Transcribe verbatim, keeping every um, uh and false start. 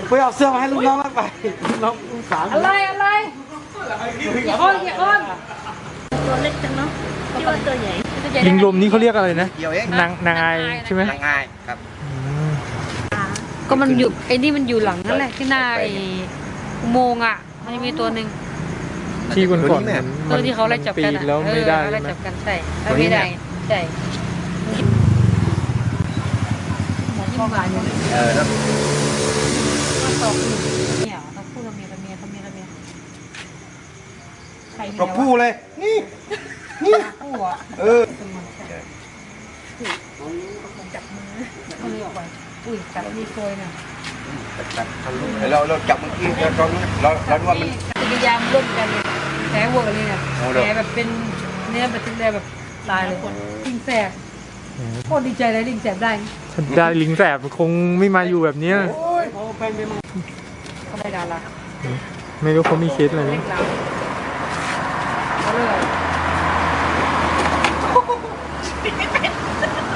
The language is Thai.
ไปเอาเสื้อมาให้ลูกน้องแล้วไปลูกน้องลูกสาวอะไรอะไรกี่คนกี่คนตัวเล็กจังเนาะที่ว่าตัวใหญ่ลิงลมนี่เขาเรียกอะไรนะเกี่ยวเองนางนางไอใช่ไหมนางงายครับก็มันอยู่ไอ้นี่มันอยู่หลังนั่นแหละที่หน้าไอ้อุโมงค์อ่ะมันจะมีตัวหนึ่งที่ก่อนก่อนตัวที่เขาไล่จับกันปีอ่ะแล้วไม่ได้เออใช่ไล่ไหมจับกันใช่ไม่ได้ใช่หมอที่มาบ่ายเนี่ยเออแล้วมาสอบเนี่ยต้องพูดกับเมียกับเมียกับเมียกับเมียใครมีตัวผู้เลยนี่นี่ผู้อ่ะเออจับมือเขาเลยออกไปอุ้ยจับมีโกยน่ะเราเราจับเมื่อกี้เราตอนนี้เราเราดูว่ามันพยายามร่วมกันเลยแผลเวอร์เลยเนี่ยแผลแบบเป็นเนื้อแบบเป็นแผลแบบตายเลยลิงแสบโคตรดีใจเลยลิงแสบได้ถ้าได้ลิงแสบคงไม่มาอยู่แบบเนี้ยเขาได้ดาราไม่รู้เขามีเคสอะไรไหมเล็กเราเขาเลย